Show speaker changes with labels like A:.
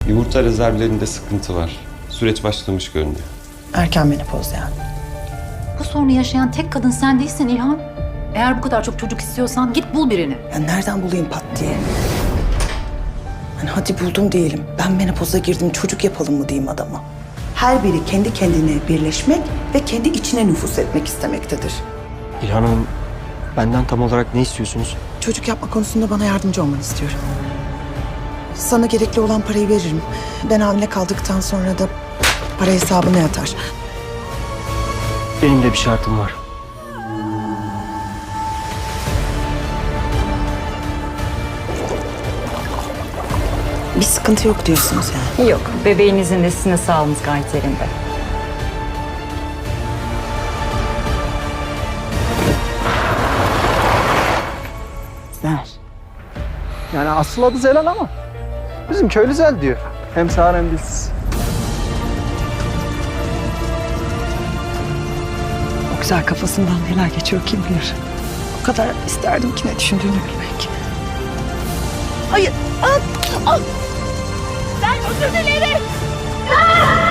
A: Yumurta rezervlerinde sıkıntı var. Süreç başlamış görünüyor.
B: Erken menopoz yani.
C: Bu sorunu yaşayan tek kadın sen değilsin İlhan. Eğer bu kadar çok çocuk istiyorsan git bul birini.
B: Ben nereden bulayım pat diye? Hani hadi buldum diyelim. Ben menopoza girdim, çocuk yapalım mı diyeyim adama. Her biri kendi kendine birleşmek ve kendi içine nüfus etmek istemektedir.
D: İlhan Hanım, benden tam olarak ne istiyorsunuz?
B: Çocuk yapma konusunda bana yardımcı olmanı istiyorum. Sana gerekli olan parayı veririm. Ben hamile kaldıktan sonra da para hesabına yatar.
D: Benim de bir şartım var.
B: Bir sıkıntı yok diyorsunuz yani.
E: Yok, bebeğinizin de sizin de sağlığınız gayet yerinde.
B: Ver.
F: Yani asıl adı Zelal ama bizim köylü Zel diyor. Hem sağır hem dilsiz.
B: O güzel kafasından neler geçiyor kim bilir. O kadar isterdim ki ne düşündüğünü bilmek. Hayır.
G: Ben özür dilerim.